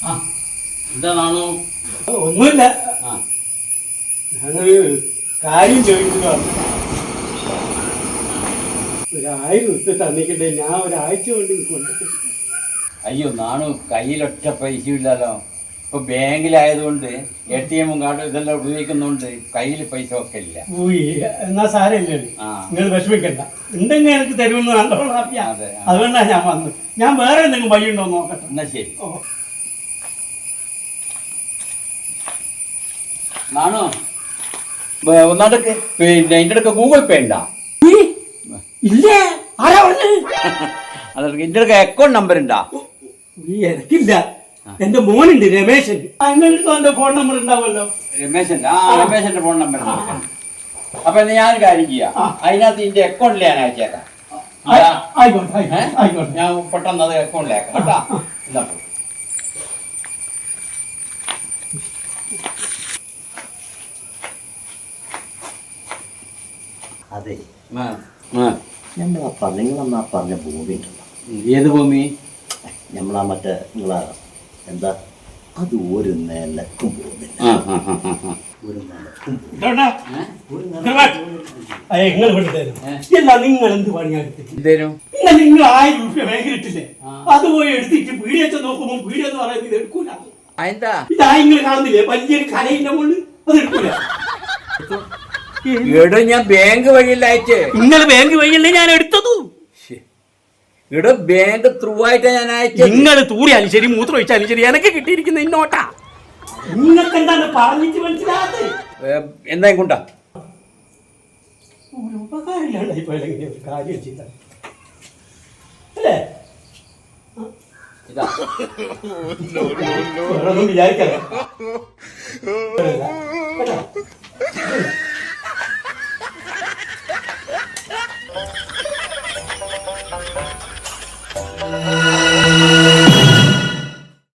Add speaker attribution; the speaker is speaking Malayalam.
Speaker 1: എന്താണോ?
Speaker 2: ഒന്നുമില്ല. ഞാനൊരു കാര്യം ചോദിക്കുന്നു. 1000 ഉറുപ്പിക തന്നിക്കണ്ടേ, ഞാൻ ഒരാഴ്ച കൊണ്ട് കൊണ്ടിട്ട്.
Speaker 1: അയ്യോ നാണു, കയ്യിലൊറ്റ പൈസ ഇല്ലല്ലോ. ഇപ്പൊ ബാങ്കിലായതുകൊണ്ട് ATM കാർഡ് ഇതെല്ലാം ഉപയോഗിക്കുന്നുണ്ട്, കയ്യിൽ പൈസ ഒക്കെ ഇല്ല.
Speaker 2: എന്നാ സാരമില്ലേ, നിങ്ങൾ വിഷമിക്കണ്ട. ഉണ്ടെങ്കിൽ എനിക്ക് തരുമെന്ന് നല്ലോണം അറിയാം. അതുകൊണ്ടാണ് ഞാൻ വന്നത്. ഞാൻ വേറെ എന്തെങ്കിലും വഴി ഉണ്ടോ നോക്കട്ടെ.
Speaker 1: എന്നാ ശരി. നാണു ഒന്നാടക്ക് പിന്നെ എൻ്റെ അടുക്ക ഗൂഗിൾ പേ ഉണ്ടാ?
Speaker 2: ഇല്ലേ? ആരാ പറഞ്ഞത്?
Speaker 1: അതൊക്കെ എൻ്റെ അടുക്ക അക്കൗണ്ട് നമ്പർ ഉണ്ടാ?
Speaker 2: എനിക്കില്ല. എന്റെ മോനുണ്ട്, രമേശൻ. എന്റെ ഫോൺ നമ്പർ ഉണ്ടാവുമല്ലോ.
Speaker 1: രമേശന്റെ? രമേശന്റെ ഫോൺ നമ്പർ. അപ്പൊ ഞാൻ കാര്യം ചെയ്യാം, അതിനകത്ത് ഇതിന്റെ അക്കൗണ്ടിൽ ഞാൻ അയച്ചേക്കാം. ഞാൻ പെട്ടെന്ന് അത് അക്കൗണ്ടിലേക്കാം കേട്ടാ. എന്താ
Speaker 3: അതെ, നമ്മളാ പറഞ്ഞ ഭൂമി ഉണ്ടല്ലോ.
Speaker 1: ഏത് ഭൂമി?
Speaker 3: നമ്മളാ മറ്റേ നിങ്ങളാ എന്താ, അത് ഒരു നിലക്കും പോകുന്നില്ല. ഒരു നിലക്കും
Speaker 2: നിങ്ങൾ എന്ത് പണിയാടുത്തി?
Speaker 1: എന്തേലും
Speaker 2: നിങ്ങൾ 1000 രൂപ ബാങ്കിലിട്ടില്ലേ, അത് പോയി എടുത്തിട്ട് പീഡിയച്ച നോക്കുമ്പോ പീഡിയെന്ന് പറയുന്നത് എടുക്കൂല. നിങ്ങൾ കാണുന്നില്ലേ വലിയൊരു കലയിന്റെ മുകളിൽ, അത് എടുക്കൂല.
Speaker 1: എടോ ഞാൻ ബാങ്ക് വഴിയല്ല അയച്ചേ.
Speaker 2: നിങ്ങൾ ബാങ്ക് വഴിയല്ലേ ഞാൻ എടുത്തതു.
Speaker 1: ഇവിടെ ബാങ്ക് ത്രൂ ആയിട്ടാ ഞാൻ അയച്ചത്.
Speaker 2: നിങ്ങൾ തൂറിയാലും ശരി, മൂത്രം ഒഴിച്ചാലും ശരി, എനിക്ക് കിട്ടിയിരിക്കുന്ന ഇന്നോട്ടാ. നിങ്ങൾക്ക് എന്താണ് പറഞ്ഞിട്ട് മനസ്സിലാകാതെ?
Speaker 1: എന്താ കൊണ്ടാ
Speaker 2: ഒരു ഉപകാരമില്ലാണ്ട് ഇപ്പൊ കാര്യം ചെയ്ത അല്ലേ? വിചാരിക്കല